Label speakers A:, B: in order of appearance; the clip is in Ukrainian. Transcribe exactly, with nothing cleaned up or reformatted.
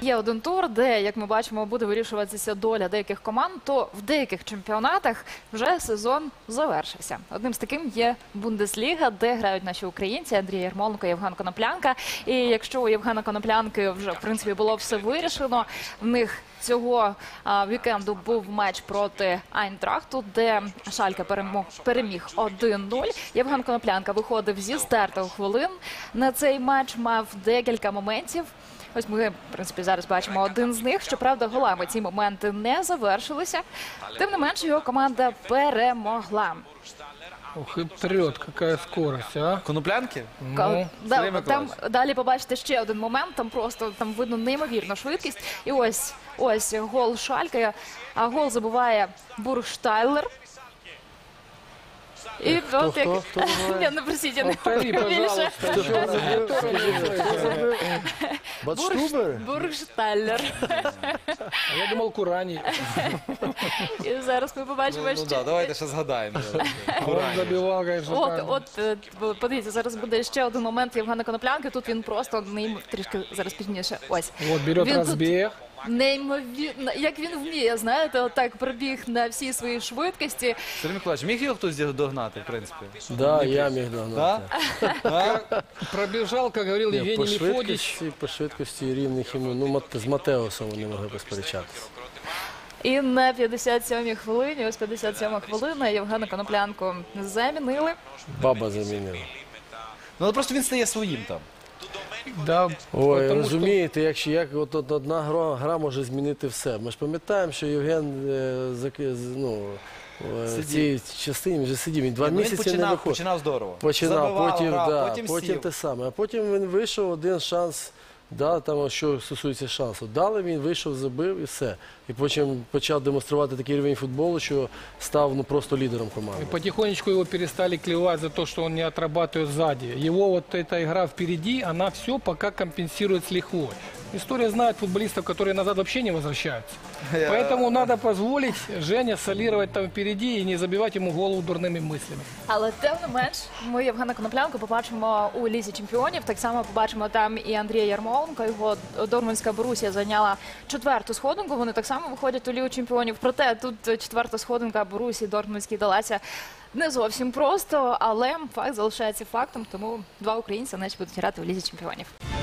A: Є один тур, де, як ми бачимо, буде вирішуватися доля деяких команд, то в деяких чемпіонатах вже сезон завершився. Одним з таким є Бундесліга, де грають наші українці Андрій Ярмоленко і Євген Коноплянка. І якщо у Євгена Коноплянки вже, в принципі, було все вирішено, в них цього а, вікенду був матч проти Айнтрахту, де Шальке перемог, переміг один нуль. Євген Коноплянка виходив зі стартових хвилин на цей матч, мав декілька моментів. Ось ми, в принципі, зараз бачимо один з них. Щоправда, голами ці моменти не завершилися. Тим не менше, його команда перемогла.
B: Ух, и трет, какая скорость, а?
C: Коноплянки?
B: Ну,
A: Да, там далі побачите ще один момент, там просто там видно неймовірну швидкість. І ось, ось гол Шальке, а гол забиває Бургштайлер. І
D: Хто,
A: от як...
D: хто, хто
A: Ні, не просіть, я не
B: Повтори,
A: можу більше.
D: Батштубер?
A: Бургштайлер.
B: А я думал, Курани.
A: І зараз ми побачимо,
C: Ну
A: що...
C: так, давайте ще згадаємо.
B: Он забивал, конечно,
A: От,
B: там.
A: от, е, подивіться, зараз буде ще один момент Євгена Коноплянки. Тут він просто нейм... трішки зараз пізніше. Ось.
B: Вот, берет
A: Він тут
B: разбег.
A: Неймовірно, як він вміє, знаєте, отак пробіг на всій своїй швидкості.
C: Сергій Миколаївич, міг його хтось догнати, в принципі?
D: Да, я міг
C: Да?
D: догнати.
B: Пробежал, как говорил
D: Ні,
B: Евгений
D: по
B: Мефодич.
D: швидкості, по швидкості рівних йому, ну, Мат- з Матеосом вони могли посперечатися.
A: І на п'ятдесят сьомій хвилині, ось п'ятдесят сьома хвилина, Євгена Коноплянку замінили.
D: Баба замінила.
C: Ну, але просто він стає своїм там.
B: Да,
D: Ой,
B: потому что
D: розумієте, якщо як от, от одна гра, гра може змінити все. Ми ж пам'ятаємо, що Євген е, зак- з- ну, е, в
C: Сидів.
D: цій частині вже сидів. Він два
C: Ну, він
D: місяці не
C: починав,
D: виходив.
C: починав здорово.
D: Починав,
C: Забивав,
D: потім,
C: грав,
D: да,
C: потім,
D: потім
C: сів.
D: те саме. А потім він вийшов, один шанс, да, там, що стосується шансу. Дали він, вийшов, забив і все. І потім почав демонструвати такий рівень футболу, що став ну, просто лідером команди.
B: и потихонечку его перестали клевать за то, что он не отрабатывает сзади. Его вот эта игра впереди, она все пока компенсирует с лихвой. История знает футболистов, которые назад вообще не возвращаются. Поэтому надо позволить Жене солировать там впереди и не забивать ему голову дурными мыслями.
A: Але тим не менш, ми Євгена Коноплянку побачимо у Лізі чемпіонів. Так само побачимо там і Андрія Ярмоленка. Його Дортмундська Борусія зайняла четверту сходинку. Вони так само виходять у Лігу чемпіонів. Проте тут четверта сходинка Борусії Дортмундській далася не зовсім просто, але факт залишається фактом. Тому два українці наче будуть грати у Лізі чемпіонів.